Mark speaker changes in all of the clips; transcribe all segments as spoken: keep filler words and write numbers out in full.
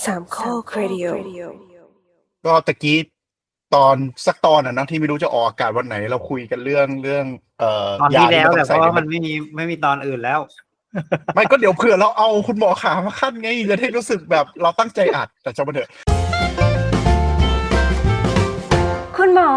Speaker 1: สามข้อครดิโอ
Speaker 2: ก็ตะกี้ตอนสักตอนอ่ะนะที่ไม่รู้จะออกอากาศวันไหนเราคุยกันเรื่องเรื่องเอ่อ
Speaker 3: ตอน
Speaker 2: ยา
Speaker 3: ที่
Speaker 2: ที่
Speaker 3: แล้ว
Speaker 2: มันต้
Speaker 3: แต่
Speaker 2: อง
Speaker 3: เพ
Speaker 2: ใส่
Speaker 3: ราะ
Speaker 2: ใน
Speaker 3: ว่า
Speaker 2: มั
Speaker 3: มัน นไม่มีไม่มีตอนอื่นแล้ว
Speaker 2: ไม่ก็เดี๋ยวเผื่อเราเอาคุณหมอขามาขั้นไงจะได้รู้สึกแบบเราตั้งใจอัดแต่จะมาเถอะ
Speaker 1: คุณหมอ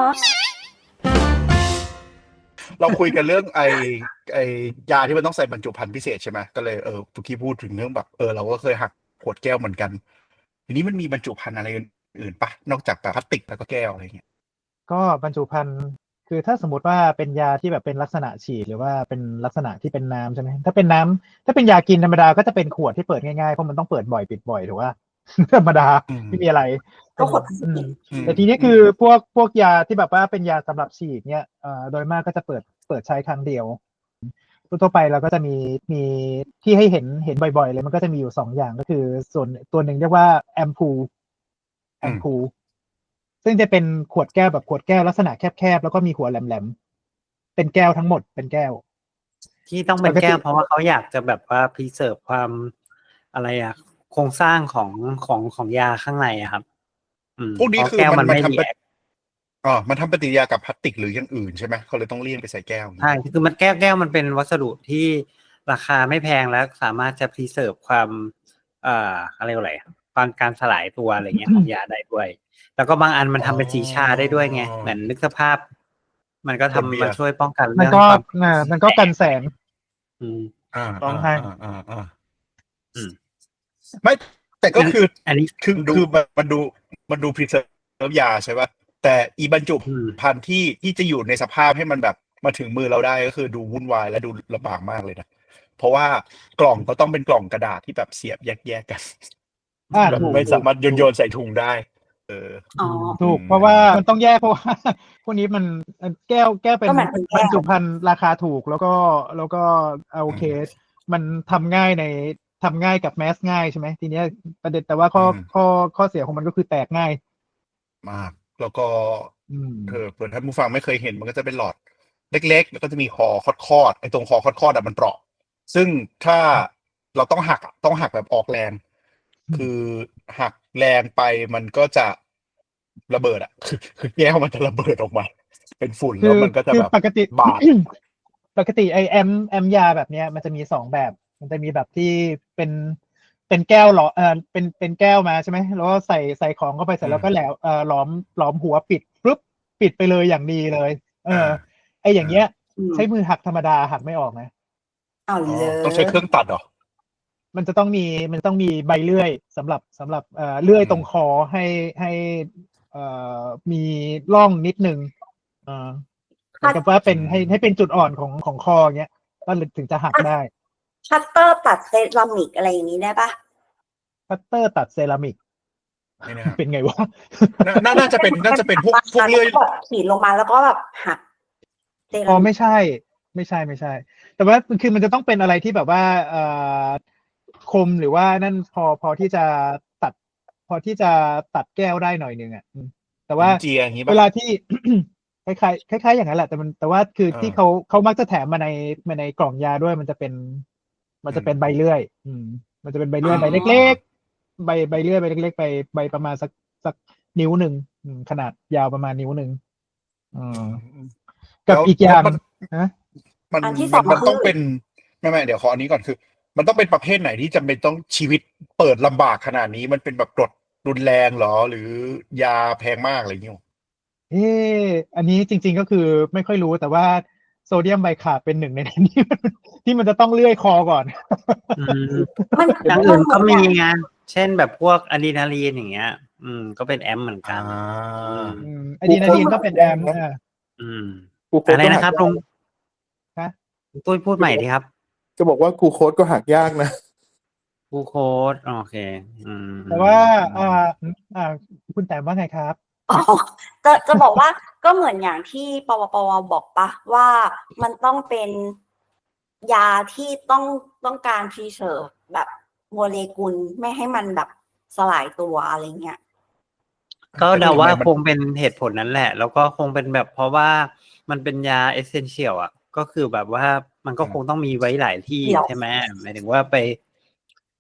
Speaker 2: เราคุยกันเรื่องไอไอยาที่มันต้องใส่บรรจุภัณฑ์พิเศษใช่ไหมก็เลยเออทุกี้พูดถึงเรื่องแบบเออเราก็เคยหักขวดแก้วเหมือนกันทีนี้มันมีบรรจุภัณฑ์อะไรอื่นปะนอกจากแบบพลาสติกแล้วก็แก้วอะไรเงี้ย
Speaker 4: ก็บรรจุภัณฑ์คือถ้าสมมติว่าเป็นยาที่แบบเป็นลักษณะฉีดหรือว่าเป็นลักษณะที่เป็นน้ำใช่ไหมถ้าเป็นน้ำถ้าเป็นยากินธรรมดาก็จะเป็นขวดที่เปิดง่ายๆเพราะมันต้องเปิดบ่อยปิดบ่อยถูกป่ะ ธรรมดาไม่มีอะไร
Speaker 1: ก็ขวดพลาสติก
Speaker 4: แต่ทีนี้คือพวกพวกยาที่แบบว่าเป็นยาสำหรับฉีดเนี่ยเอ่อโดยมากก็จะเปิดเปิดใช้ครั้งเดียวทั่วไปเราก็จะมีมีที่ให้เห็นเห็นบ่อยๆเลยมันก็จะมีอยู่สองอย่างก็คือส่วนตัวหนึ่งเรียกว่าแอมพูลแอมพูลซึ่งจะเป็นขวดแก้วแบบขวดแก้วลักษณะแคบๆแล้วก็มีหัวแหลมๆเป็นแก้วทั้งหมดเป็นแก้ว
Speaker 3: ที่ต้องเป็นแก้วเพราะว่าเขาอยากจะแบบว่าพรีเซิร์ฟความอะไรอะโครงสร้างของของของยาข้างในอะครับ
Speaker 2: พวกนี้คือมันมันทำอ๋อมันทำปฏิกิริยากับพลาสติกหรืออย่างอื่นใช่ไหมเขาเลยต้องเลี่ยงไปใส่แก้ว
Speaker 3: ใช่คือมันแก้วแก้วมันเป็นวัสดุที่ราคาไม่แพงและสามารถจะพรีเซิร์ฟความเอ่ออะไรอะไรบางการสลายตัวอะไรเงี้ยของยาได้ด้วยแล้วก็บางอันมันทำเป็นสีชาได้ด้วยไงเหมือนนึกสภาพมันก็ทำมาช่วยป้องกันเรื่องความ
Speaker 4: มันก็กันแสง
Speaker 3: อืม
Speaker 2: อ่า
Speaker 4: ต้องให้
Speaker 2: อ่าอ่าอืมไม่แต่ก็คืออันนี้คือคือมันดูมันดูพรีเซอร์ยาใช่ป่ะแต่อีบรรจุภัณฑ์ที่ที่จะอยู่ในสภาพให้มันแบบมาถึงมือเราได้ก็คือดูวุ่นวายและดูลำบากมากเลยนะเพราะว่ากล่องก็ต้องเป็นกล่องกระดาษที่แบบเสียบแยกๆกันแบบไม่สามารถโยนโยนใส่ถุงได้เออ
Speaker 4: ถูกเพราะว่ามันต้องแยกเพราะว่าพวกนี้มันแก้วแก้วเป็นบรรจุภัณฑ์ราคาถูกแล้วก็แล้วก็โอเคมันทำง่ายในทำง่ายกับแมสง่ายใช่ไหมทีนี้ประเด็นแต่ว่าข้อข้อข้อเสียของมันก็คือแตกง่าย
Speaker 2: มากแล้วก็เธอเผื่อท่านผู้ฟังไม่เคยเห็นมันก็จะเป็นหลอดเล็กๆแล้วก็จะมีคอคอดๆไอ้ตรงคอคอดๆอ่ะมันเปราะซึ่งถ้าเราต้องหักต้องหักแบบออกแรงคือหักแรงไปมันก็จะระเบิดอ่ะคือคือแก้วมันจะระเบิดออกมาเป็นฝุ่นแล้วมันก็จะแบบ
Speaker 4: ปกติ
Speaker 2: บาด
Speaker 4: ปกติไอแอมแอมยาแบบเนี้ยมันจะมีสองแบบมันจะมีแบบที่เป็นเป็นแก้วหลอเออเป็นเป็นแก้วมาใช่ไหมแล้วก็ใส่ใส่ของเข้าไปเสร็จแล้วก็แหลวเออหลอมหลอมหัวปิดปุ๊บปิดไปเลยอย่างดีเลยเออไออย่างเงี้ยใช้มือหักธรรมดาหักไม่ออกนะ
Speaker 1: เอาเลย
Speaker 2: ต้องใช้เครื่องตัดเหรอ
Speaker 4: มันจะต้องมีมันต้องมีใบเลื่อยสำหรับสำหรับเอ่อเลื่อยตรงคอให้ให้เอ่อมีร่องนิดนึงอ่าแต่ว่าเป็นให้ให้เป็นจุดอ่อนของของคอเงี้ยก็ถึงจะหักได้
Speaker 1: คัตเตอร์ตัดเซรามิกอะไรอย่างนี้ได้ปะ
Speaker 4: คัตเตอร์ตัดเซรามิกเป็นไงวะ
Speaker 2: น่าจะเป็นน่าจะเป็นพวกพวกเลื่อย
Speaker 1: ขีดลงมาแล้วก็แบบหัก
Speaker 4: อ๋อไม่ใช่ไม่ใช่ไม่ใช่แต่ว่าคือมันจะต้องเป็นอะไรที่แบบว่าเอ่อคมหรือว่านั่นพอพอที่จะตัดพอที่จะตัดแก้วได้หน่อยนึงอ่ะแต่ว่าเวลาที่ คล้ายๆคล้ายๆอย่างนั้นแหละแต่มันแต่ว่าคือที่เขาเขามักจะแถมมาในมาในกล่องยาด้วยมันจะเป็นมันจะเป็นใบเลื่อย อืมมันจะเป็นใบเลื่อยใบเล็กๆใบใบเลื่อยใบเล็กๆไปใบประมาณสักสักนิ้วหนึ่งขนาดยาวประมาณนิ้วหนึ่งอืมกับอีกอย่างนะ
Speaker 2: มันมันต้องเป็นไม่ไม่เดี๋ยวขออันนี้ก่อนคือมันต้องเป็นประเภทไหนที่จำเป็นต้องชีวิตเปิดลำบากขนาดนี้มันเป็นแบบกรดรุนแรงเหรอหรือยาแพงมากอะไรอย่างเงี้ย
Speaker 4: เอออันนี้จริงๆก็คือไม่ค่อยรู้แต่ว่าโซเดียมไบคาร์บเป็นหนึ่งในนั้นที่ที่มันจะต้องเลื่อยคอก่อน
Speaker 3: อย่างอื่นก็มีไงเช่นแบบพวกอะดรีนาลีนอย่างเงี้ยอืมก็เป็นแอมเหมือนกัน
Speaker 4: อะดรีนาลีนก็เป็นแอมอ่า
Speaker 3: อืมอะไรนะครับลุง
Speaker 4: ฮะ
Speaker 3: ตุ้ยพูดใหม่ดีครับ
Speaker 5: จะบอกว่ากูโค้ดก็หักยากนะ
Speaker 3: กูโค้ดโอเคอืม
Speaker 4: แต่ว่าอ่าอ่าคุณแต้มว่าไงครับ
Speaker 1: อ๋อจะจะบอกว่าก็เหมือนอย่างที่ปวปวบอกปะว่ามันต้องเป็นยาที่ต้องต้องการพรีเซิร์ฟแบบโมเลกุลไม่ให้มันแบบสลายตัวอะไรเงี้ย
Speaker 3: ก็เดาว่าคงเป็นเหตุผลนั้นแหละแล้วก็คงเป็นแบบเพราะว่ามันเป็นยาเอเซนเชียลอ่ะก็คือแบบว่ามันก็คงต้องมีไว้หลายที่ใช่ไหมหมายถึงว่าไป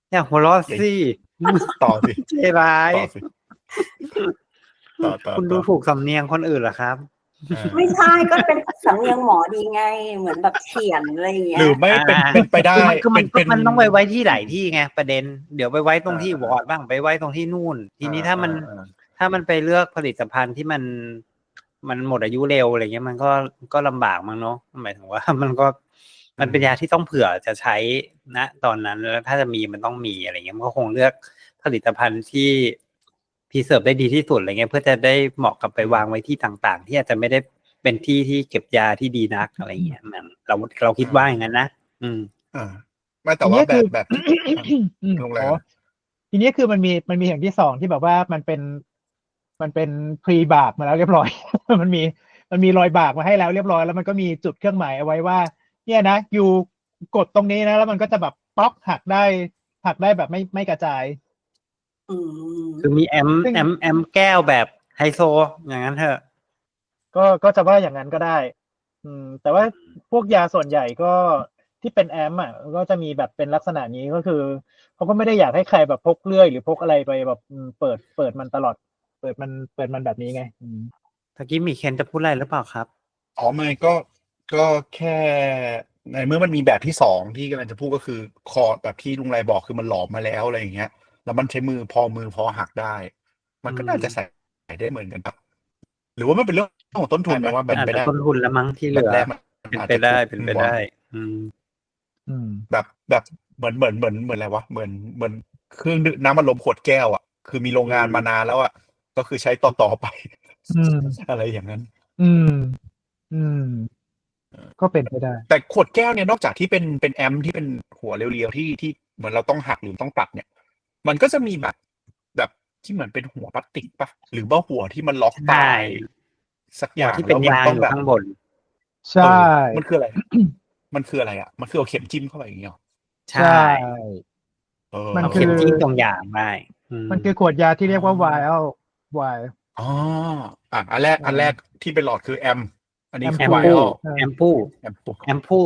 Speaker 3: อย่าหัวเราะสิ
Speaker 2: ต่อสิ
Speaker 3: ใจร้าย
Speaker 2: ต่อสิต่อต่อ
Speaker 3: คุณดู
Speaker 2: ต่อ
Speaker 3: ถูกสำเนียงคนอื่นเหรอครับ
Speaker 2: อ่า
Speaker 1: ไม่ใช่ก็เป็นสำเนียงหมอดีไง เหมือนแบบเขียนอะไรอย่างเงี้
Speaker 2: ห
Speaker 1: ย
Speaker 2: รือไม่เป็น
Speaker 3: อ่า
Speaker 2: เป็นไปได้
Speaker 3: คือมัน
Speaker 2: เป็น
Speaker 3: คือมัน
Speaker 2: เป็น
Speaker 3: ต้องไปไว้ที่หลายที่ไงประเด็นเดี๋ยวไปไว้ตรงที่
Speaker 2: อ่าว
Speaker 3: อร์ดบ้างไปไว้ตรงที่นู่น ทีนี้
Speaker 2: อ่า
Speaker 3: ถ้ามัน
Speaker 2: อ่า
Speaker 3: ถ้ามันไปเลือกผลิตภัณฑ์ที่มันมันหมดอายุเร็วอะไรเงี้ยมันก็ก็ลำบากมั้งเนาะหมายถึงว่า มันก็มันเป็นยาที่ต้องเผื่อจะใช้ณตอนนั้นแล้วถ้าจะมีมันต้องมีอะไรเงี้ยมันก็คงเลือกผลิตภัณฑ์ที่พรีเซิร์ฟได้ดีที่สุดอะไรเงี้ยเพื่อจะได้เหมาะกับไปวางไว้ที่ต่างๆ ที่อาจจะไม่ได้เป็นที่ที่เก็บยาที่ดีนักอะไรเงี้ยมันเราเราคิดว่าอย่างนั้นนะอืม
Speaker 2: อ่าไม่แต่ว่า
Speaker 4: ทีนี้
Speaker 2: แบ
Speaker 4: คื
Speaker 2: บ
Speaker 4: อ
Speaker 2: แบบที่
Speaker 4: อืม
Speaker 2: ลงแร
Speaker 4: อ๋
Speaker 2: ง
Speaker 4: อทีนี้คือมันมีมันมีอย่างที่สองที่แบบว่ามันเป็นมันเป็นพรีบากมาแล้วเรียบร้อย มันมีมันมีรอยบากมาให้แล้วเรียบร้อยแล้วมันก็มีจุดเครื่องหมายเอาไว้ว่า เนี่ยนะอยู่กดตรงนี้นะแล้วมันก็จะแบบป๊อกหักได้หักได้แบบไม่ไม่กระจาย
Speaker 1: อืม
Speaker 3: คือมีแอม
Speaker 4: ซึ่ง
Speaker 3: แอมแอมแก้วแบบไฮโซอย่างนั้นเถอะ
Speaker 4: ก็ก็จะว่าอย่างนั้นก็ได้ อืม แต่ว่าพวกยาส่วนใหญ่ก็ที่เป็นแอมอ่ะก็จะมีแบบเป็นลักษณะนี้ก็คือเขาก็ไม่ได้อยากให้ใครแบบพกเลื่อยหรือพกอะไรไปแบบอืมเปิดเปิดมันตลอด เปิดมันเปิดมันแบบนี้ไง อืม
Speaker 3: ตะกี้มีเคนจะพูดอะไรหรือเปล่าครับ
Speaker 2: อ๋อไม่ก็ก็แค่ในเมื่อมันมีแบบที่สองที่กำลังจะพูดก็คือคอร์ดแบบที่ลุงไรบอกคือมันหลอมมาแล้วอะไรอย่างเงี้ย แล้วมันใช้มือพอมือพอหักได้ มันก็น่าจะใส่ได้เหมือนกันครับหรือว่ามันเป็นเรื่องของต้นทุนไหมว่าแบบ
Speaker 3: อาจ
Speaker 2: ไป
Speaker 3: จะ
Speaker 2: ได้
Speaker 3: ต้นทุนแล้วมั้งที่เห
Speaker 2: แบ
Speaker 3: ลื
Speaker 2: บ
Speaker 3: อ
Speaker 2: แรกมัน
Speaker 3: เป็น
Speaker 2: อาจ
Speaker 3: ไป
Speaker 2: จะ
Speaker 3: ได้
Speaker 2: ถูก
Speaker 3: เป็นไป
Speaker 2: กว่า
Speaker 3: ได้ อืม
Speaker 4: อืม
Speaker 2: แบบแบบเหมือนเหมือนเหมือนเหมือนอะไรวะเหมือนเหมือนเครื่องดื่มน้ำมันลมขวดแก้วอ่ะคือมีโรงงาน
Speaker 3: อืม
Speaker 2: มานานแล้วอ่ะก็คือใช้ต่อต่อไป
Speaker 4: อืม
Speaker 2: อะไรอย่างนั้น
Speaker 4: อืม อืม ก็เป็นไปได้
Speaker 2: แต่ขวดแก้วเนี่ยนอกจากที่เป็นเป็นแอมป์ที่เป็นหัวเรียวๆที่ที่เหมือนเราต้องหักหรือต้องตัดเนี่ย มันก็จะมีแบบแบบที่เหมือนเป็นหัวพลาสติกปะหรือว่าหัวที่มันล็อก
Speaker 3: ใช่
Speaker 2: ตายสักอ
Speaker 3: หัว
Speaker 2: ย่าง
Speaker 3: ที่เป็น
Speaker 2: แล้วมั
Speaker 3: ยาง
Speaker 2: ต้อง
Speaker 3: อยู่
Speaker 2: แบบ
Speaker 3: ข้างบน
Speaker 4: ใช่
Speaker 2: เออมันคืออะไร มันคืออะไรอ่ะ มันคือเอาเข็มจิ้มเข้าไปอย่างเงี้ยหรอ
Speaker 3: ใช่
Speaker 2: เออ
Speaker 4: มัน
Speaker 3: เอา
Speaker 4: คื
Speaker 3: เข็
Speaker 4: อ
Speaker 3: มจิ้มตรงยางได้อืม
Speaker 4: มันคือขวดยาที่เรียกว่า vial vial
Speaker 2: อ๋ออ่ะอันแรก
Speaker 4: เอออั
Speaker 2: อันแรกที่เป็นหลอดคือแอม อันนี้คือ
Speaker 3: แอม
Speaker 2: ไว
Speaker 3: พู
Speaker 2: อล
Speaker 4: เออ
Speaker 3: แอมพู
Speaker 2: แอม
Speaker 3: แอมพู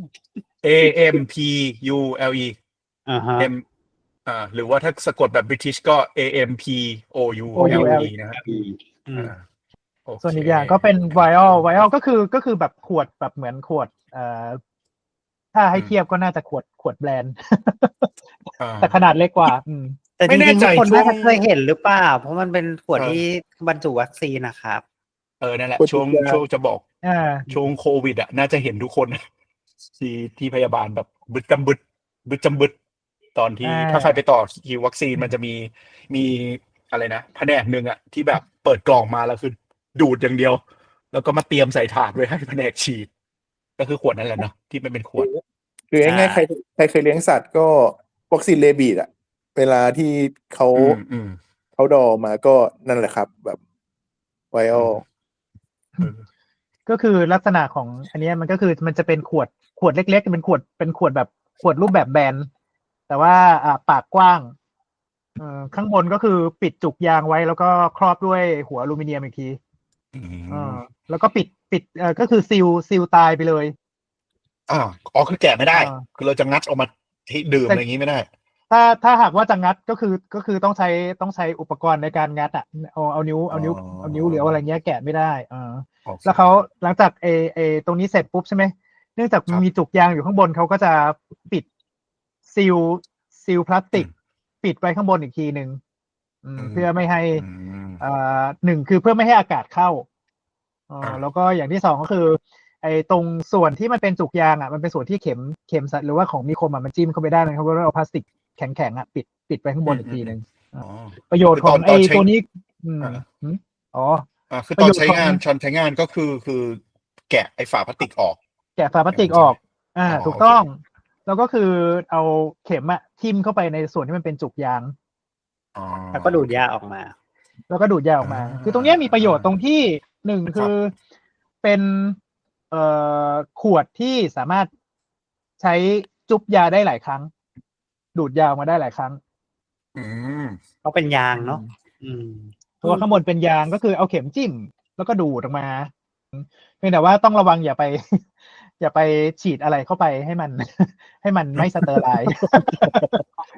Speaker 2: A M P U L E
Speaker 3: อ่าฮะ
Speaker 2: M อ่าหรือว่าถ้าสะกดแบบบริติชก็ A M P O U L E นะครับ
Speaker 3: อืม
Speaker 2: อ่าโอเค
Speaker 4: ส่วนอีกอย่างก็เป็น vial vial ก็คือก็คือแบบขวดแบบเหมือนขวดเอ่อถ้าให้เทียบก็น่าจะขวดขวดแบรนด์
Speaker 2: อ่า
Speaker 4: แต่ขนาดเล็กกว่า อืม
Speaker 3: แต่
Speaker 2: ไม่
Speaker 3: จ
Speaker 2: แน่
Speaker 3: ริงๆ
Speaker 2: ใจ
Speaker 3: ทุกคน
Speaker 2: ช่ว
Speaker 3: น่าง จะเคยเห็นหรือเปล่า เพราะมันเป็นขวด
Speaker 2: เออ
Speaker 3: ที่บรรจุวัคซีนนะครับ
Speaker 2: เออนั่นแหละ
Speaker 5: ขวด
Speaker 2: ช่วง
Speaker 5: ยา
Speaker 2: ช่วงจะบอก
Speaker 4: อ่า
Speaker 2: ช่วงโควิดอ่ะน่าจะเห็นทุกคน ที่ที่พยาบาลแบบบึดจำบึดบึดจำบึดตอนที่
Speaker 4: อ่า
Speaker 2: ถ้าใครไปต่อคิววัคซีนมันจะมีมีอะไรนะแผนกหนึ่งอ่ะที่แบบเปิดกล่องมาแล้วคือดูดอย่างเดียว แล้วก็มาเตรียมใส่ถาดไว้ให้แผนกฉีด ก็คือขวดนั่นแหละเนาะที่มันเป็นขวด
Speaker 5: หรือง่ายๆใครใครเคยเลี้ยงสัตว์ก็วัคซีนเรบีดอะเวลาที่เขา
Speaker 2: อืมอืม
Speaker 5: เขาดอมาก็นั่นแหละครับ แบบไวออล
Speaker 2: เออ
Speaker 4: ก็คือลักษณะของอันเนี้ยมันก็คือมันจะเป็นขวดขวดเล็กๆเป็นขวดเป็นขวดแบบขวดรูปแบบแบนแต่ว่าอ่าปากกว้างเอ่อข้างบนก็คือปิดจุกยางไว้แล้วก็ครอบด้วยหัวอลูมิเนียมอีกที
Speaker 2: อื
Speaker 4: เอ
Speaker 2: ม
Speaker 4: อแล้วก็ปิดปิดเอ่อก็คือซีลซีลตายไปเลย
Speaker 2: อ่าอ๋อคือแกะไม่ได้
Speaker 4: อ่า
Speaker 2: คือเราจะงัดออกมาที่ดื่มอะไรอย่างงี้ไม่ได้
Speaker 4: ถ้าถ้าหากว่าจะงัดก็คือก็คือต้องใช้ต้องใช้อุปกรณ์ในการงัดอ่ะเอาเอานิ้วเอานิ้ว
Speaker 2: อ๋อ
Speaker 4: เอานิ้วหรือเอาอะไรเงี้ยแกะไม่ได้อ่า
Speaker 2: โอเค
Speaker 4: แล้วเขาหลังจากเอเอตรงนี้เสร็จปุ๊บใช่ไหมเนื่องจาก
Speaker 2: ครับ
Speaker 4: มีจุกยางอยู่ข้างบนเขาก็จะปิดซีลซีลพลาสติก
Speaker 2: อืม
Speaker 4: ปิดไว้ข้างบนอีกทีหนึ่งอืม
Speaker 2: อืม
Speaker 4: เพื่อไม่ให้
Speaker 2: อืม
Speaker 4: อ่าหนึ่งคือเพื่อไม่ให้อากาศเข้าเอ่อ
Speaker 2: อ่า
Speaker 4: แล้วก็อย่างที่สองก็คือ ไอ้ตรงส่วนที่มันเป็นจุกยางอ่ะมันเป็นส่วนที่เข็มเข็มสัตว์หรือว่าของมีคมอ่ะมันจิ้มเข้าไปได้เลยเขาก็เอาพลาสติกแข็งๆอ่ะปิดปิดไว้ข้างบนอีกทีหนึ่ง
Speaker 2: อ๋อ
Speaker 4: ประโยชน์
Speaker 2: คือ
Speaker 4: ข
Speaker 2: ต
Speaker 4: อ
Speaker 2: อง น
Speaker 4: ไอ้
Speaker 2: ตอนใช้
Speaker 4: ตัวนี้ อืม
Speaker 2: อ่า
Speaker 4: หืมอ๋อ
Speaker 2: อ่าคือ
Speaker 4: ป
Speaker 2: ต
Speaker 4: ระ
Speaker 2: อน
Speaker 4: โยชน์
Speaker 2: ใช้
Speaker 4: ของ
Speaker 2: งานตอนใช้งานก็คือคือแกะไอ้ฝาพลาสติกออก
Speaker 4: แกะฝาพลาสติก
Speaker 2: อย่างนั้
Speaker 4: อน อก
Speaker 2: ใช่ไหม
Speaker 4: อ่า
Speaker 2: อ๋อ
Speaker 4: ถูก
Speaker 2: โอเค
Speaker 4: ต้อง แล้วก็คือเอาเข็มอะทิ่มเข้าไปในส่วนที่มันเป็นจุกยาง
Speaker 2: อ๋อ
Speaker 3: แล้วก็ดูดยาออกมา
Speaker 4: แล้วก็ดูดยาออกมา
Speaker 2: อ่า
Speaker 4: คือตรงเนี้ยมีประโยชน์ตรงที่หนึ่ง
Speaker 2: ครับ
Speaker 4: คือเป็นเอ่อขวดที่สามารถใช้จุบยาได้หลายครั้ง ดูดยาออกมาได้หลายครั้ง
Speaker 2: อืม
Speaker 3: เขาเป็นยางเนาะอืม
Speaker 4: เพราะว่าข้างบนเป็นยางก็คือเอาเข็มจิ้ม แล้วก็ดูดออกมาเพียงแต่ว่าต้องระวังอย่าไป อย่าไปฉีดอะไรเข้าไปให้มัน ให้มันไม่สเตอร์ไลน์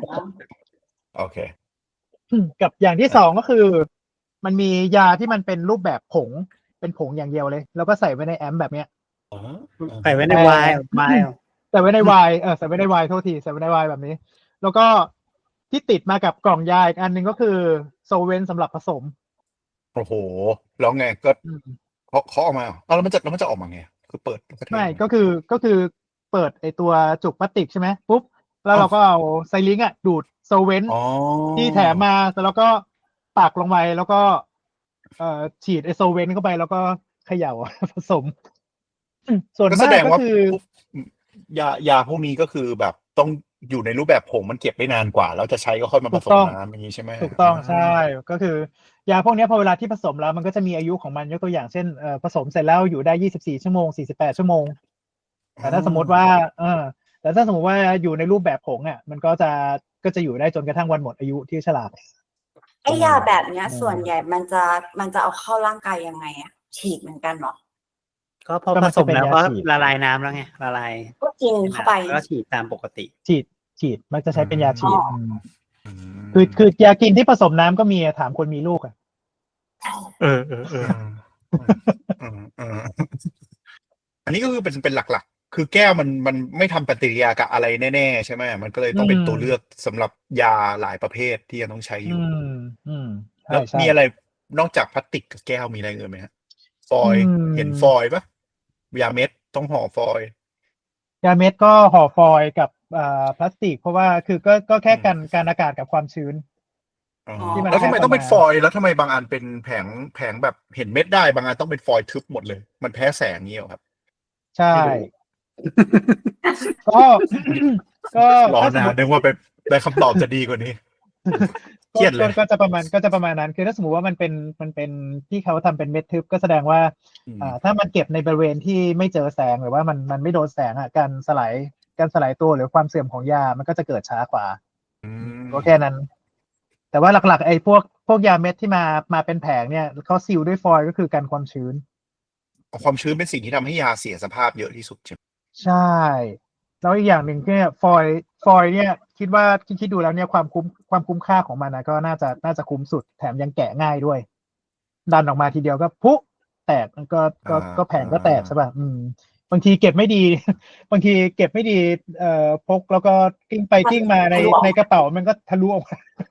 Speaker 2: โอเค
Speaker 4: กับอย่างที่สองก็คือ มันมียาที่มันเป็นรูปแบบผงเป็นผงอย่างเดียวเลย แล้วก็ใส่ไว้ในแอมป์แบบเนี้ย
Speaker 2: อ๋อ
Speaker 3: ใส่ไว้ในไวน์ไวน์
Speaker 4: ใส่ไว้ในไวน์เออใส่ไว้ในไวน์โทษทีใส่ไว้ในไวน์แบบนี้ แล้วก็ที่ติดมากับกล่องยาอีกอันหนึ่งก็คือโซเวนสำหรับผสม
Speaker 2: โอ้โหแล้วไงก็
Speaker 4: อืม
Speaker 2: เขาเขาออกมาเอาแล้วมันจะแล้วมันจะออกมาไงคือเปิดแล้วก็เท
Speaker 4: ไม่ก็คือก็คือเปิดไอตัวจุกพลาสติกใช่ไหมปุ๊บแล้วเราก็เอาไซลิงค์อ่ะดูดโซเวน
Speaker 2: อ๋อ
Speaker 4: ที่แถมมาแล้วก็ปักลงไปแล้วก็เอ่อฉีดไอโซเวนเข้าไปแล้วก็เขย่า ผสม ส่วน
Speaker 2: ก็แส
Speaker 4: มาก
Speaker 2: ดง
Speaker 4: ก็
Speaker 2: ว่า
Speaker 4: คือ
Speaker 2: พวกยายาพวกนี้ก็คือแบบต้องอยู่ในรูปแบบผงมันเก็บได้นานกว่า แล้วจะใช้ก็ค่อยมาผ
Speaker 4: ถูก
Speaker 2: สม
Speaker 4: ต้อง
Speaker 2: น้ำอย่างนี้ใช่ไหม
Speaker 4: ถูกต้องใช่ก็คือยาพวกนี้พอเวลาที่ผสมแล้วมันก็จะมีอายุของมันยกตัวอย่างเช่นเอ่อผสมเสร็จแล้วอยู่ได้ยี่สิบสี่ชั่วโมงสี่สิบแปดชั่วโมงแต่ถ้าสมมติว่าเออแต่ถ้าสมมติว่าอยู่ในรูปแบบผงอ่ะมันก็จะก็จะอยู่ได้จนกระทั่งวันหมดอายุที่ฉลาก
Speaker 1: ไอ้ยาแบบเนี้ย
Speaker 4: อืม
Speaker 1: ส่วนใหญ่มันจะมันจะเอาเข้าร่างกายยังไงอะฉีดเหมือนกันเหรอ
Speaker 3: ก็พอ
Speaker 4: ก็
Speaker 3: ผ
Speaker 4: มัน
Speaker 3: ส
Speaker 4: จะ
Speaker 3: ม
Speaker 4: เป็น
Speaker 3: แล้ว
Speaker 4: ยา
Speaker 3: ก็
Speaker 4: ฉีด
Speaker 3: ละลายน้ำแล้วไงละลาย
Speaker 1: ก็กินเข้าไป
Speaker 3: แล้วก็ฉีดตามปกติ
Speaker 4: ฉีดฉีดมักจะใช้เป็นยาฉีด
Speaker 1: อ๋ออื
Speaker 4: ม
Speaker 2: อืม
Speaker 4: คือคือยากินที่ผสมน้ำก็มีอะถามคนมีลูกอ่ะ
Speaker 3: เออเออเออ
Speaker 2: อืมอืมอันนี้ก็คือเป็นเป็นหลักๆ คือแก้วมันมันไม่ทำปฏิกิริยากับอะไรแน่ๆใช่ไหมมันก็เลยต้องเป็นตัวเลือกสำหรับยาหลายประเภทที่ยังต้องใช้อ
Speaker 4: อื
Speaker 2: ยู่
Speaker 4: มอืมใช่
Speaker 2: แล้ว
Speaker 4: ใช่
Speaker 2: มีอะไรนอกจากพลาสติกกับแก้วมีอะไรอื่นไหมฮะฟอยล์
Speaker 4: อืม
Speaker 2: เห็นฟอยล์ปะยาเม็ดต้องห่อฟอยล์
Speaker 4: ยาเม็ดก็ห่อฟอยล์กับอ่าพลาสติก เพราะว่าคือก็ก็แค่
Speaker 2: อืม
Speaker 4: กันการอากาศกับความชื้น
Speaker 2: อ๋อ
Speaker 4: ที่มัน
Speaker 2: แล้วทำไม
Speaker 4: แพ้
Speaker 2: ต้องเป็น
Speaker 4: เข้ามา
Speaker 2: ฟอยล์แล้วทำไมบางอันเป็นแผงแผงแบบเห็นเม็ดได้บางอันต้องเป็นฟอยล์ทึบหมดเลย มันแพ้แสงนี้เหรอครับ
Speaker 4: ใช่
Speaker 2: ไม่รู้
Speaker 4: ก็ ก็
Speaker 2: รอ
Speaker 4: ถ้าสม
Speaker 2: นาม
Speaker 4: ม
Speaker 2: น
Speaker 4: ติ
Speaker 2: นึกว่าเป็นได้คำตอบจะดีกว่านี้ เค
Speaker 4: ก็
Speaker 2: รียดเล
Speaker 4: ก็
Speaker 2: ย
Speaker 4: ก็จะประมาณก็จะประมาณนั้น คือถ้าสมมติว่ามันเป็นมันเป็นที่เขาทำเป็นเม็ดทึบก็แสดงว่า
Speaker 2: อืม
Speaker 4: อ่าถ้ามันเก็บในบริเวณที่ไม่เจอแสงหรือว่ามันมันไม่โดนแสงอ่ะการสลายการสลายตัวหรือความเสื่อมของยามันก็จะเกิดช้ากว่า
Speaker 2: อืม
Speaker 4: ก็แค่นั้น แต่ว่าหลักๆไอ้พวกพวกยาเม็ดที่มามาเป็นแผงเนี่ยเขาซีลด้วยฟอยล์ก็คือกันความชื้น
Speaker 2: ความชื้นเป็นสิ่งที่ทำให้ยาเสียสภาพเยอะที่สุดใช่ไหม
Speaker 4: ใช่ แล้วอีกอย่างหนึ่งเนี่ยฟอยล์ฟอยล์เนี่ยคิดว่าคิดคิดดูแล้วเนี่ยความคุ้มความคุ้มค่าของมันนะก็น่าจะน่าจะคุ้มสุดแถมยังแกะง่ายด้วย ดันออกมาทีเดียวก็พุแตกมันก็ก็ก็แผงก็แตกใช่ป่ะอืม บางทีเก็บไม่ดี บางทีเก็บไม่ดีเอ่อพกแล้วก็กิ้งไปกิ้งมาในในกระเป๋ามันก็ทะลุออกมา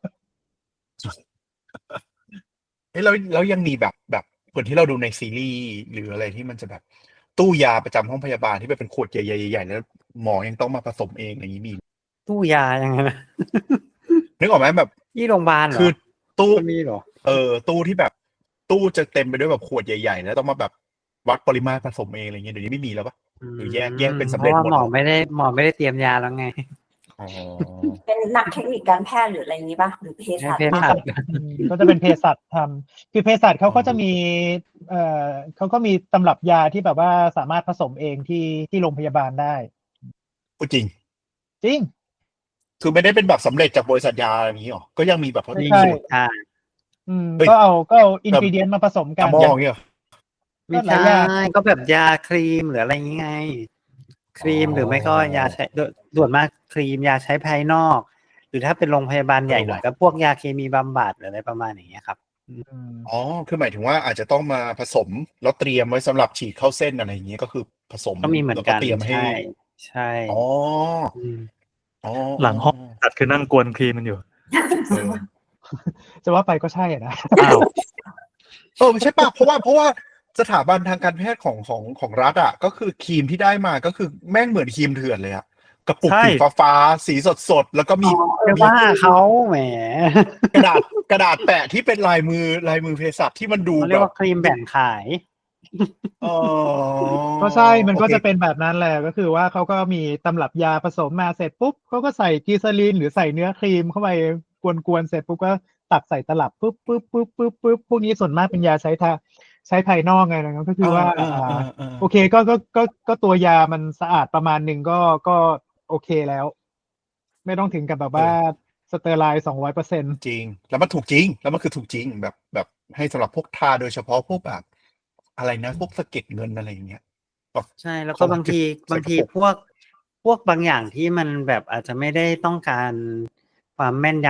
Speaker 2: เอ้ยแล้วแล้วยังมีแบบแบบเหมือนที่เราดูในซีรีส์หรืออะไรที่มันจะแบบตู้ยาประจำห้องพยาบาลที่แบบเป็นขวดใหญ่ๆๆแล้วหมอยังต้องมาผสมเองอย่างนี้มี
Speaker 3: ตู้ยายังไงนะ
Speaker 2: นึกออกไหมแบบ
Speaker 3: ที่โรงพยาบาลเหรอ
Speaker 2: คือตู้
Speaker 3: มันมีเหรอ
Speaker 2: เออตู้ที่แบบ ตู้จะเต็มไปด้วยแบบขวดใหญ่ๆแล้วต้องมาแบบวัดปริมาตรผสมเองอะไรเงี้ยเดี๋ยวนี้ไม่มีแล้วปะ หรือแยกแยกเป็นสำเร็จ
Speaker 3: พาะ
Speaker 2: หมด
Speaker 3: ว่าหมอ
Speaker 2: แล้ว
Speaker 3: ไม่ได้หมอไม่ได้เตรียมยาแล้วไง
Speaker 2: อ๋อ
Speaker 1: เป็นนักเทคนิคการแพทย์หรืออะไรนี้ป่ะหรือเภสัช
Speaker 3: ให้เภ
Speaker 1: ป่ะ
Speaker 3: สัช
Speaker 4: อืมก็จะเป็นเภสัชทำคือเภสัชเขาก็จะมี เอ่อเขาก็มีตำรับยาที่แบบว่าสามารถผสมเองที่ที่โรงพยาบาลได้
Speaker 2: พูดจริง
Speaker 4: จริง
Speaker 2: คือไม่ได้เป็นแบบสำเร็จจากบริษัทยาอะไรอย่างนี้หรอก็ยังมีแบบ
Speaker 4: ไม่
Speaker 2: มี
Speaker 4: ใช่
Speaker 2: สูตร
Speaker 3: ใช่
Speaker 4: อืม
Speaker 2: เฮ้ย
Speaker 4: ก็เอาก็เอาอินกิเดียนมาผสมกั
Speaker 2: ยาน หม้ออย่างเงี้ยเหรอ
Speaker 3: ไม่
Speaker 4: ก็หลาย
Speaker 3: ใช่
Speaker 4: อย่าง
Speaker 3: ก็แบบยาครีมหรืออะไรอย่างงี้ไง ครีม
Speaker 2: อ๋อ
Speaker 3: หรือไม่ก็ยาใช้ส่วนมากครีมยาใช้ภายนอก หรือถ้าเป็นโรงพยาบาลใหญ่หน่อย
Speaker 2: เออว่ะ
Speaker 3: ก็พวกยาเคมีบำบัดหรืออะไรประมาณอย่างเงี้ยครับ
Speaker 4: อืม
Speaker 2: อ๋อคือหมายถึงว่าอาจจะต้องมาผสมแล้วเตรียมไว้สำหรับฉีดเข้าเส้นอะไรอย่างเงี้ยก็คือผสม
Speaker 3: ก็มีเหมือน
Speaker 2: แล้ว
Speaker 3: กัน
Speaker 2: เตรียมให้
Speaker 3: ใช่ใช่
Speaker 2: อ๋อ
Speaker 3: ม
Speaker 2: อ๋อ
Speaker 6: หลังห้องตัดคือนั่งกวนครีมมันอยู่
Speaker 2: เออ
Speaker 4: จะว่าไปก็ใช่อะนะ
Speaker 6: อ้าว
Speaker 2: เออไม่ใช่ป่ะเพราะว่าเพราะว่าสถาบันทางการแพทย์ของของของรัฐอ่ะก็คือครีมที่ได้มาก็คือแม่งเหมือนครีมเถื่อนเลยอ่ะกระปุก
Speaker 6: ใช่
Speaker 2: สีฟ้าๆสีสดๆแล้วก็มี
Speaker 1: อ๋อเออ
Speaker 3: จะว่าเขาแหม
Speaker 2: กระดาษกระดาษแปะที่เป็นลายมือลายมือเภสัชที่มันดู
Speaker 3: เขาเรี
Speaker 2: แบ
Speaker 3: ยก
Speaker 2: บ
Speaker 3: ว่าครีมแบ่งขาย
Speaker 2: อ๋อ
Speaker 4: ก็ใช่ มันก็
Speaker 2: โอเค
Speaker 4: จะเป็นแบบนั้นแหละ ก็คือว่าเขาก็มีตำรับยาผสมมาเสร็จปุ๊บเขาก็ใส่กีซาลีนหรือใส่เนื้อครีมเข้าไปกวนๆเสร็จปุ๊บก็ตักใส่ตลับปุ๊บปุ๊บปุ๊บปุ๊บปุ๊บพวกนี้ส่วนมากเป็นยาใช้ทาใช้ภายนอกไงนะครับก็คือว่า
Speaker 2: อ่า
Speaker 4: อ่า
Speaker 2: อ่าอ่า
Speaker 4: โอเคก็ก็ก็ก็ตัวยามันสะอาดประมาณหนึ่งก็ก็โอเคแล้ว ไม่ต้องถึงกับแบบว่าสเตอร์ไลน์สองร้อยเปอร์เซ็นต์
Speaker 2: จริง แล้วมันถูกจริง แล้วมันคือถูกจริงแบบแบบให้สำหรับพวกทาโดยเฉพาะพวกแบบ อะไรนะพวกสะเก็ดเงินอะไรอย่างเงี้ยแบบ
Speaker 3: ใช่แล้วก็บางที
Speaker 2: ใส่
Speaker 3: บางที
Speaker 2: กระปุก
Speaker 3: พวกพวกบางอย่างที่มันแบบอาจจะไม่ได้ต้องการความแม่นยำของโดสยามากอะไรขนาดนั้นนะ
Speaker 2: อ่าย
Speaker 3: กตัวอย่างเช่นสบู่หรือว่าไอ้พวกพวกพวกที่ใช้ภายนอกทั้งหลายแหละกับผิวหนังอะไรเงี้ยครับประมาณนั้น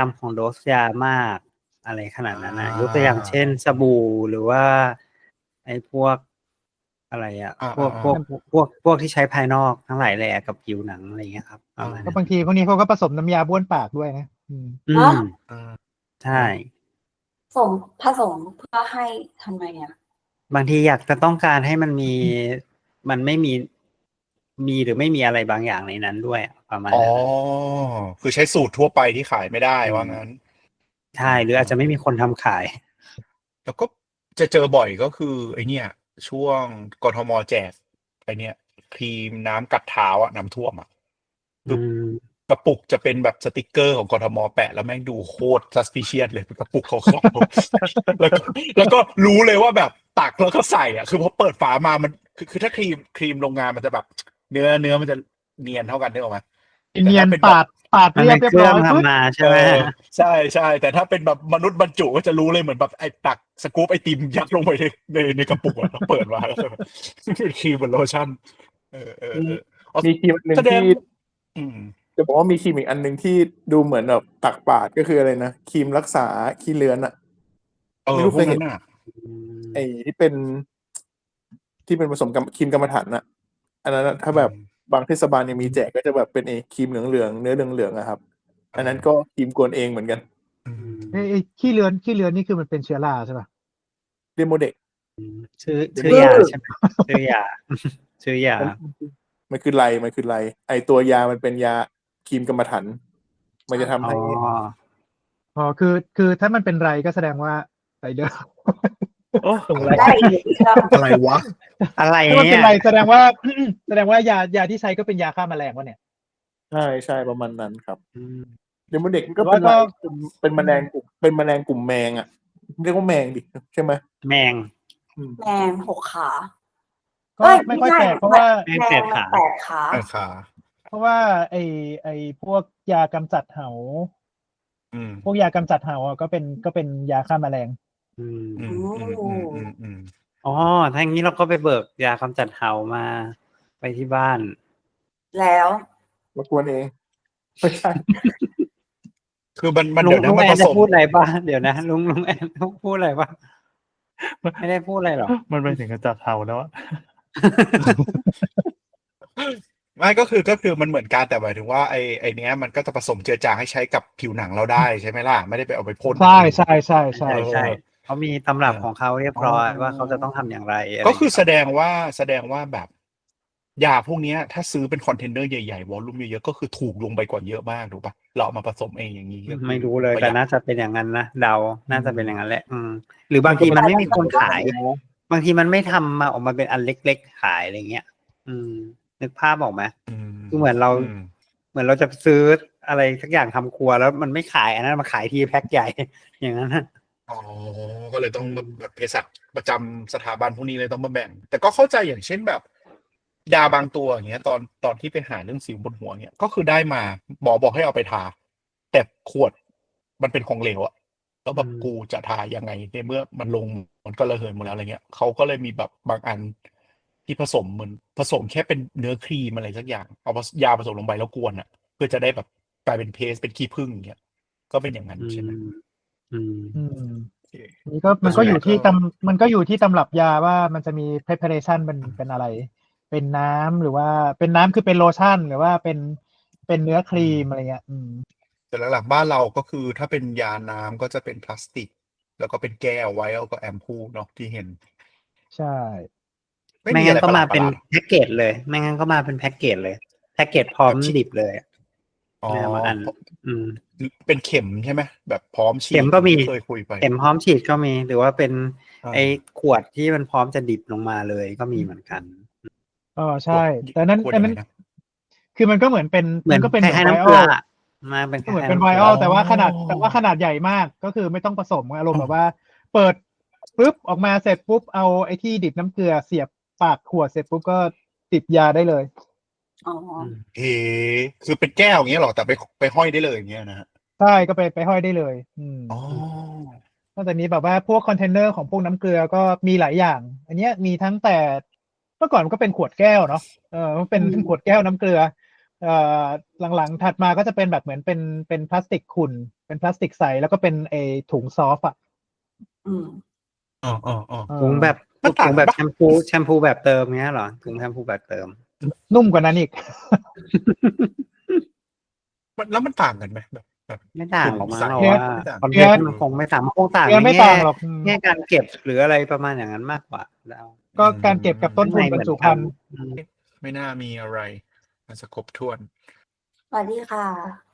Speaker 2: อ่า
Speaker 3: พวก
Speaker 2: อ่า
Speaker 3: พวกพวกพวกที่ใช้ภายนอกทั้งหลายแหละกับผิวหนังอะไรเงี้ยครับประมาณ
Speaker 4: ก็
Speaker 3: นั้น
Speaker 4: บางทีพวกนี้เขาก็ผสมน้ำยาบ้วนปากด้วยนะอืม
Speaker 3: อื
Speaker 1: ฮะ
Speaker 3: ม
Speaker 2: อ่า
Speaker 3: ใช่
Speaker 1: ผสมผสมเพื่อให้ทำไมอ่ะ
Speaker 3: บางทีอยากจะต้องการให้มันมี มันไม่มี มีหรือไม่มีอะไรบางอย่างในนั้นด้วยอะประมาณ
Speaker 2: อ๋อ
Speaker 3: นั้นนะ
Speaker 2: คือใช้สูตรทั่วไปที่ขายไม่ได้
Speaker 3: อืม
Speaker 2: ว่างั้น
Speaker 3: ใช่ หรืออาจจะไม่มีคนทำขาย
Speaker 2: แล้วก็จะเจอบ่อยก็คือไอเนี่ย ช่วงกทมแจกไอเนี่ยครีมน้ำกัดเท้าอะน้ำท่วมอะ
Speaker 3: อืม
Speaker 2: กระปุกจะเป็นแบบสติกเกอร์ของกทมแปะแล้วแม่งดูโคตร suspicious เลยเป็นกระปุกขาวๆ แล้วก็แล้วก็รู้เลยว่าแบบตักแล้วก็ใส่อ่ะคือพอเปิดฝามามันคือคือถ้าครีมครีมโรงงานมันจะแบบ เนื้อเนื้อมันจะเนียนเท่ากันได้หรอไหม
Speaker 4: เนียน
Speaker 2: แต่ถ้าเป็นแบบ
Speaker 4: ปาดปาด
Speaker 3: มัน
Speaker 4: เรียบ
Speaker 3: เป็น
Speaker 4: เรียบ
Speaker 3: เครื่
Speaker 4: ร้
Speaker 3: อง
Speaker 4: อยปึ๊บ
Speaker 3: ทำมาใช่
Speaker 2: เอ
Speaker 3: ไหม
Speaker 2: อใช่ใช่แต่ถ้าเป็นแบบมนุษย์บรรจุก็จะรู้เลยเหมือนแบบไอ้ตักสกู๊ปไอติมยัดลงไปในในในกระปุกอะแล้วเปิดมาแล้วก็แบบเป็นครีมเหมือนโลชั่นเออเออเอออ๋อ
Speaker 5: มีครีมอันหนึ่ง
Speaker 2: แสดง
Speaker 5: ที่
Speaker 2: อืม
Speaker 5: จะบอกว่ามีครีมอีกอันหนึ่งที่ดูเหมือนแบบตักปาดก็คืออะไรนะครีมรักษาขี้เลื้อนอะ
Speaker 2: เออ
Speaker 5: ไม่รู้
Speaker 2: พ
Speaker 5: เคว
Speaker 2: ก
Speaker 5: ยเห็
Speaker 2: นั้น
Speaker 5: น
Speaker 2: น่ะ
Speaker 5: ไอ้ที่เป็น ที่เป็นผสมกับครีมกรรมฐานน่ะ อันนั้นน่ะถ้าแบบ
Speaker 2: อืม
Speaker 5: บางเทศบาลยังมีแจกก็จะแบบเป็นไอ้ครีมเหลืองๆเนื้อเหลืองๆอะครับ
Speaker 2: เอออั
Speaker 5: อันนั้นก็ครีมกวนเองเหมือนกัน
Speaker 2: อืม
Speaker 4: ไอ้ไอ้ขี้เลือนขี้เลือนนี่คือมันเป็นเชื้อราใช่ป่ะ
Speaker 5: เดโมเด็ก
Speaker 3: ชื่อ
Speaker 5: เดี๋ยว
Speaker 3: ชื่อยาใช่ไหมชื่อยา ชื่อยา
Speaker 5: มันมันคือไรมันคือไรไอตัวยามันเป็นยาครีมกรรมฐานมันจะทำ
Speaker 3: อ๋อ
Speaker 5: ให้
Speaker 4: อ๋อคือคือถ้ามันเป็นไรก็แสดงว่าไรเดอร์
Speaker 6: โอ้
Speaker 4: ส่งไร
Speaker 1: ได้อีกครับ
Speaker 2: อะไรวะ
Speaker 3: อะไร
Speaker 4: ถ้ามัน
Speaker 3: เนี่
Speaker 4: เป็น
Speaker 3: ย
Speaker 4: ไรแสดงว่า แสดงว่ายายาที่ใช้ก็เป็นยาฆ่าแมลงวะเนี่ย
Speaker 5: ใช่ใช่ประมาณนั้นครับ
Speaker 3: อืม
Speaker 5: เดโมเด็กมันก็
Speaker 4: แต่
Speaker 5: เป็
Speaker 4: ว่าน ก็
Speaker 5: ไรเป็นเป็นแมลงกลุ่มเป็นแมลงกลุ่มแมงอ่ะเรียกว่าแมงดิใช่ไหม
Speaker 3: แมง
Speaker 5: อืม
Speaker 1: แมงหกขา
Speaker 4: ก็
Speaker 1: เอ้ย
Speaker 4: ไม่ค่อย
Speaker 1: ใช่
Speaker 4: แปลกเพราะว่า
Speaker 3: แมง
Speaker 1: แม
Speaker 3: แป
Speaker 1: ง
Speaker 3: ด
Speaker 1: มัน
Speaker 3: ขา
Speaker 1: แปดขา
Speaker 2: ไอ้ขา
Speaker 4: เพราะว่าไอไอพวกยากำจัดเห่า
Speaker 2: อืม
Speaker 4: พวกยากำจัดเห่าอ่ะก็เป็นก็เป็นยาฆ่าแมลง
Speaker 3: อืม
Speaker 2: อืมอืมอืมอืมอืม
Speaker 3: อ๋อ ถ้าอย่างนี้เราก็ไปเบิกยากำจัดเห่ามาไปที่บ้าน
Speaker 1: แล้ว
Speaker 5: มากวนเองไม่ใช่
Speaker 2: คือมันมัน
Speaker 3: ลุง
Speaker 2: เดี๋ยวนะ
Speaker 3: ลุง
Speaker 2: มัน
Speaker 3: แอ
Speaker 2: ผ
Speaker 3: นจะ
Speaker 2: สม
Speaker 3: พูดอะไรบ้างเดี๋ยวนะลุงลุงแอนต้องพูดอะไรบ้างไม่ได้พูดอะไรหรอ
Speaker 6: มันไปถึงกับจับเห่าแล้วอะ
Speaker 2: ไม่ก็คือก็คือมันเหมือนกันแต่หมายถึงว่าไอ้ไอ้เนี้ยมันก็จะผสมเจือจางให้ใช้กับผิวหนังเราได้ใช่ไหมล่ะไม่ได้ไปเอาไปพ่น
Speaker 4: ใช่ใช่ใช่ใช่
Speaker 3: ใช่ใช่
Speaker 2: เออ
Speaker 3: เขามีตำรับของเขาเรียบร้อย
Speaker 2: อ๋อ
Speaker 3: ว่าเขาจะต้องทำอย่างไรอะไร
Speaker 2: ก็คือแส
Speaker 3: ย่างเงี้ย
Speaker 2: ดงว่าแสดงว่าแบบยาพวกเนี้ย ถ้าซื้อเป็นคอนเทนเนอร์ใหญ่ๆวอลลุ่มเยอะๆก็คือถูกลงไปกว่าเยอะมากถูกปะเราเอามาผสมเองอย่างนี้ก็คือ
Speaker 3: ไม่รู้เลย
Speaker 2: ประห
Speaker 3: แต่
Speaker 2: ยัด
Speaker 3: น่าจะเป็นอย่างนั้นนะเดาน่าจะเป็นอย่างนั้นแหละ อืม หรือบางทีมันไม่มีคนขาย บางทีมันไม่ทำมาออกมาเป็นอันเล็กๆขายอะไรเงี้ย อืม นึกภาพออกไหม
Speaker 2: อืม
Speaker 3: คือเหมือนเรา
Speaker 2: อืม
Speaker 3: เหมือนเราจะซื้ออะไรสักอย่างทำครัวแล้วมันไม่ขายอันนั้นมาขายทีแพ็คใหญ่ อย่างนั้นนะ
Speaker 2: อ๋อก็เลยต้อง
Speaker 3: อืม
Speaker 2: แบบเภสัชประจำสถาบันพวกนี้เลยต้องมาแบ่ง แต่ก็เข้าใจอย่างเช่นแบบ ยาบางตัวอย่างเงี้ย ตอนตอนที่ไปหาเรื่องสิวบนหัวเงี้ยก็คือได้มาหมอบอกให้เอาไปทา แต่ขวดมันเป็นของเหลวอะแล้วแบบ
Speaker 3: อืม
Speaker 2: กูจะทายังไงในเมื่อมันลงมันก็ระเหยหมดแล้วอะไรเงี้ยเขาก็เลยมีแบบบางอันที่ผสมเหมือนผสมแค่เป็นเนื้อครีมอะไรสักอย่างเอายาผสมลงไปแล้วกวนอะเพื่อจะได้แบบกลายเป็นเพสเป็นขี้ผึ้งอย่างเงี้ยก็เป็นอย่างนั้น
Speaker 3: อื
Speaker 2: ใช่ไหม
Speaker 3: มอืม
Speaker 4: อืม
Speaker 2: โอเค
Speaker 4: นี่ก็มันก็อยู่ที่
Speaker 2: ก็
Speaker 4: ตำมันก็อยู่ที่ตำรับยาว่ามันจะมี preparation เป็นเป็นอะไร เป็นน้ำหรือว่าเป็นน้ำคือเป็นโลชั่น หรือว่าเป็นเป็นเนื้อครีมอะไรเงี้ย อืม
Speaker 2: แต่หลักๆบ้านเราก็คือถ้าเป็นยาน้ำก็จะเป็นพลาสติก แล้วก็เป็นแก้วไว้แล้วก็แอมพูลเนาะที่เห็น
Speaker 4: ใช่
Speaker 2: ไม่
Speaker 3: ไม่
Speaker 2: มีอะ
Speaker 3: งั้
Speaker 2: ไร
Speaker 3: นก็
Speaker 2: ประห
Speaker 3: มา
Speaker 2: ลาดป
Speaker 3: เป็
Speaker 2: ระ
Speaker 3: น
Speaker 2: หลาด
Speaker 3: แพ็กเกจเลย ไม่งั้นก็มาเป็นแพ็กเกจเลยแพ็กเกจพร้อม
Speaker 2: แบบฉีด
Speaker 3: ดิบเลย
Speaker 2: อ๋อ
Speaker 3: แม่บางอัน อืม
Speaker 2: เป็นเข็มใช่ไหมแบบพร้อมฉีด
Speaker 3: เข็มก็มี
Speaker 2: ที่เคยคุยไป
Speaker 3: เข็มพร้อมฉีดก็มี หรือว่าเป็น
Speaker 2: อ่า
Speaker 3: ไอ้ขวดที่มันพร้อมจะดิบลงมาเลยก็มีเหมือนกัน
Speaker 4: อ๋อใช่ แต่นั้น
Speaker 2: ขวด
Speaker 4: อัน
Speaker 2: ยัง
Speaker 4: นั้
Speaker 2: ไง
Speaker 4: น
Speaker 2: นะ
Speaker 4: คือมันก็เหมือนเป็น
Speaker 3: เหมือน
Speaker 4: ก็เป็น
Speaker 3: ค
Speaker 4: เหมือน
Speaker 3: ล้ายๆ
Speaker 4: ไว
Speaker 3: น้ำ
Speaker 4: อ
Speaker 3: เกลื
Speaker 4: อ
Speaker 3: อ
Speaker 4: ล
Speaker 3: อะมาเป็นค
Speaker 4: ก็เหมือน
Speaker 3: ล้าย
Speaker 4: เป็น
Speaker 3: ๆ
Speaker 4: ไว
Speaker 3: น้ำเก
Speaker 4: อ
Speaker 3: ลื
Speaker 4: อ
Speaker 3: อ
Speaker 4: ลแต่ว่าขนาดแต่ว่าขนาดใหญ่มากก็คือไม่ต้องผสมอารมณ์แบบว่า เปิดปุ๊บออกมาเสร็จปุ๊บเอาไอ้ที่ดิบน้ำเกลือเสียบปากขวดเสร็จปุ๊บก็ติดยาได้เลย
Speaker 1: อ๋อ
Speaker 3: อืม
Speaker 2: เฮ้คือเป็นแก้วอย่างเงี้ยหรอแต่ไปไปห้อยได้เลยอย่างเงี้ยนะฮะ
Speaker 4: ใช่ก็ไปไปห้อยได้เลย อืม
Speaker 2: อ๋อ
Speaker 4: นอกจากนี้แบบว่าพวกคอนเทนเนอร์ของพวกน้ำเกลือก็มีหลายอย่าง อันเนี้ยมีทั้งแต่เมื่อก่อนมันก็เป็นขวดแก้วเนาะเออมันเป็น
Speaker 1: อืม
Speaker 4: ขวดแก้วน้ำเกลือเอ่อหลังๆถัดมาก็จะเป็นแบบเหมือนเป็นเป็นพลาสติกขุ่นเป็นพลาสติกใสแล้วก็เป็นไอถุงซอฟต์อ่ะ
Speaker 1: อืม
Speaker 2: อ๋ออ๋ออ๋อ
Speaker 4: เออ
Speaker 3: ถุงแบบ
Speaker 2: มันต่าง
Speaker 3: ถุงแบบ
Speaker 2: ปะ
Speaker 3: แชมพูแชมพูแบบเติมเงี้ยเหรอถุงแชมพูแบบเติม
Speaker 4: นุ่มกว่านั้นอีก
Speaker 2: มันแล้วมันต่างกันไหมแบบแบบ
Speaker 3: ไม่ต่างหรอกมั้งเรา
Speaker 4: เนื้อ
Speaker 3: ว่า
Speaker 2: ไม่ต่าง
Speaker 3: คอนเทนต์มันคงไม่ต่างมันคงต่าง
Speaker 4: เนื้อ
Speaker 3: ใน
Speaker 4: ไม่
Speaker 3: แง่
Speaker 4: ต่างหรอกอืม
Speaker 3: แง่การเก็บหรืออะไรประมาณอย่างนั้นมากกว่าแล้ว
Speaker 4: ก็การเก็บกับต้นทุนบรรจุภัณฑ์
Speaker 3: อืม
Speaker 2: ไม่น่ามีอะไรมันจะครบถ้วน
Speaker 1: สวัสดีค่ะ